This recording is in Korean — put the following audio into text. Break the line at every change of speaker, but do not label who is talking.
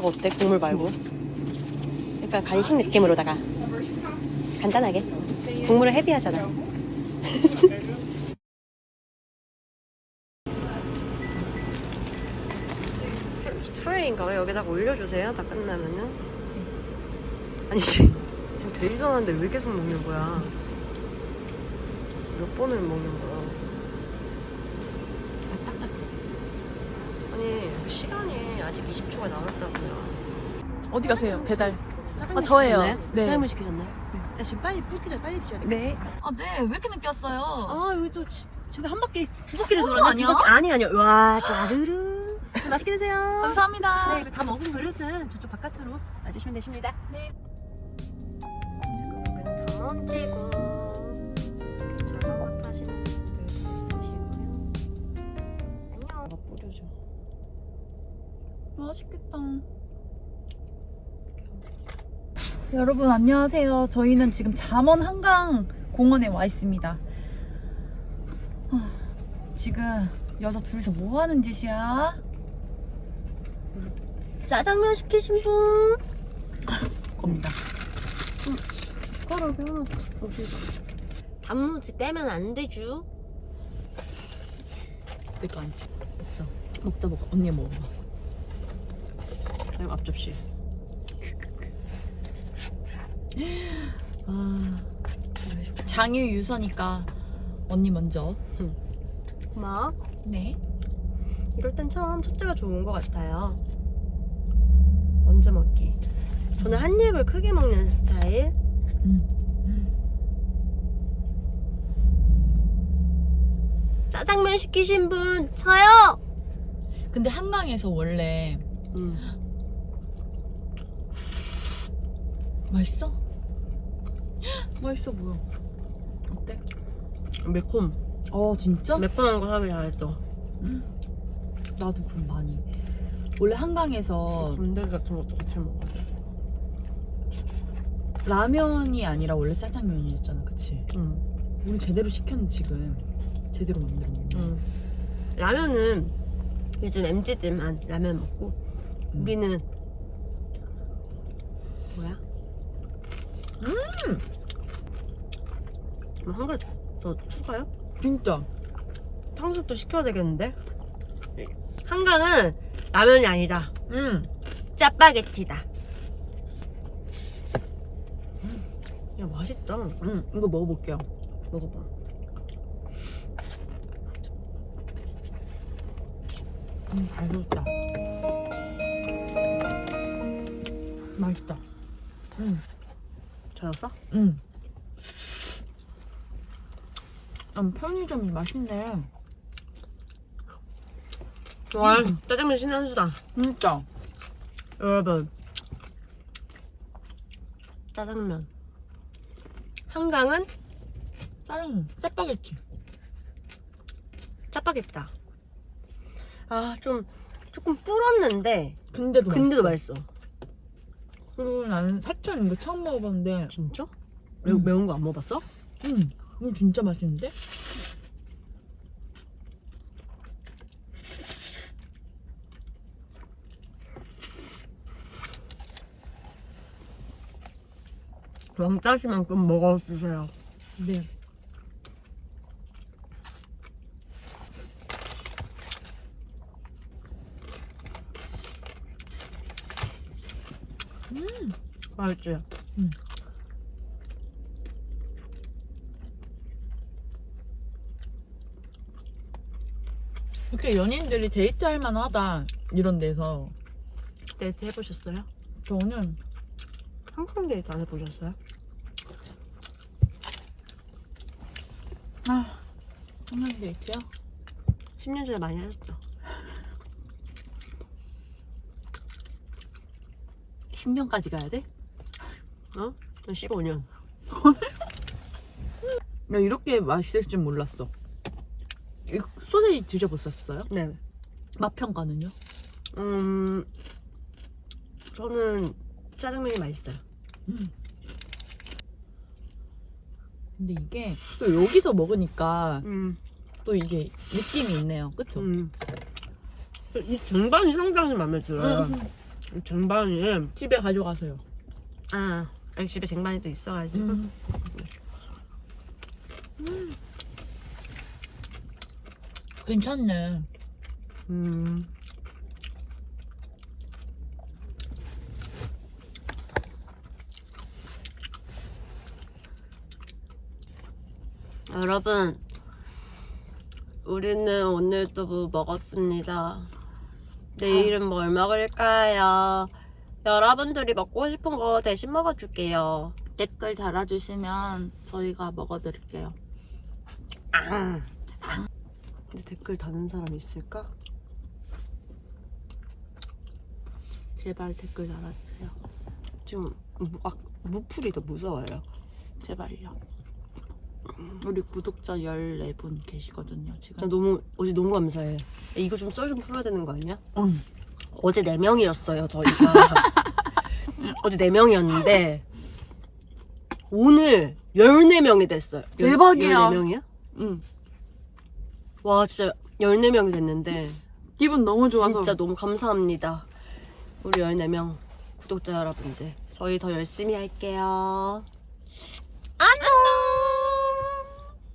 거 어때? 국물 말고. 약간 간식 느낌으로다가 간단하게. 국물은 헤비하잖아. 트레이인가 왜 여기다가 올려주세요? 다 끝나면은. 아니 지금 되게 전화인데 왜 계속 먹는 거야? 몇 번을 먹는 거야? 아니 시간이 아직 20초가 남았다고요.
어디 가세요? 배달.
짜장면
저예요.
시키셨나요?
네.
짜장면 시키셨나요? 야, 지금 빨리 불기 전에 빨리 드셔야 돼.
네. 아, 네. 왜 이렇게 늦게 왔어요?
아 여기 또 저기 한 바퀴 두 바퀴를
어,
돌았네.
아니야?
두 바퀴 아니요. 와 짜르르. 맛있게 드세요.
감사합니다.
네, 다 먹은 그릇은 저쪽 바깥으로 놔주시면 되십니다.
네.
여기는 전원지구 자전거 타시는 분들 있으시고요. 안녕. 이거 뿌려줘.
맛있겠다. 여러분 안녕하세요. 저희는 지금 잠원 한강 공원에 와 있습니다. 지금 여자 둘이서 뭐 하는 짓이야?
짜장면 시키신 분.
겁니다.
숟가락은 단무지 빼면 안 되죠.
내 거 아니지? 먹자. 언니 먹어봐.
이거 앞접시.
장유 유서니까 언니 먼저.
고마워.
네.
이럴 땐 참 첫째가 좋은 것 같아요. 먼저 먹기. 저는 한 입을 크게 먹는 스타일. 짜장면 시키신 분 저요.
근데 한강에서 원래 맛있어? 맛있어 보여. 어때?
매콤.
진짜?
매콤한 거 사기 잘했어.
나도 그럼 많이. 원래 한강에서
군대기 같은 것도 같이 먹어.
라면이 아니라 원래 짜장면이었잖아, 그치?
응.
우리 제대로 시켰는 지금 제대로 만들어 먹는.
라면은 요즘 MZ들만 라면 먹고 우리는 뭐야? 그럼 한 그릇 더 추가요?
진짜.
탕수육도 시켜야 되겠는데? 한강은 라면이 아니다. 짜파게티다. 야 맛있다.
이거 먹어볼게요.
먹어봐.
잘 익었다. 맛있다.
젖었어?
편의점이 맛있네.
와 짜장면 신의 한 수다.
진짜.
여러분 짜장면 한강은
짜장면, 짜파게티.
짜파게티다. 아 조금 불었는데
근데도
맛있어.
그리고 나는 사천 이거 처음 먹어봤는데.
진짜? 매운 거 안 먹어봤어?
이거 진짜 맛있는데?
왕짜시만큼 먹어주세요.
네.
맛있지?
이렇게 연인들이 데이트할 만하다 이런 데서.
데이트 해보셨어요?
저는
한강 데이트 안 해보셨어요?
한강 데이트요?
10년 전에 많이 하셨죠?
10년까지 가야 돼?
어? 난 15년.
나 이렇게 맛있을 줄 몰랐어. 이 소세지 드셔보셨어요?
네.
맛 평가는요?
저는 짜장면이 맛있어요.
근데 이게 또 여기서 먹으니까 또 이게 느낌이 있네요. 그쵸?
이 쟁반이 상당히 마음에 들어요.
쟁반이
집에 가져가세요.
여기 집에 쟁반이 또 있어가지고.
괜찮네.
여러분, 우리는 오늘도 뭐 먹었습니다. 내일은 뭘 먹을까요? 여러분들이 먹고 싶은 거 대신 먹어줄게요.
댓글 달아주시면 저희가 먹어드릴게요.
근데 댓글 다는 사람 있을까?
제발 댓글 달아주세요.
지금 무풀이 더 무서워요.
제발요. 우리 구독자 14분 계시거든요 지금.
나 어제 너무 감사해. 이거 좀 썰 좀 풀어야 되는 거 아니야?
응.
어제 4명이었어요 저희가. 어제 4명이었는데 오늘 14명이 됐어요.
대박이야.
14명이야?
응.
와 진짜 14명이 됐는데
기분 너무 좋아서.
진짜 너무 감사합니다. 우리 14명 구독자 여러분들. 저희 더 열심히 할게요. 안녕.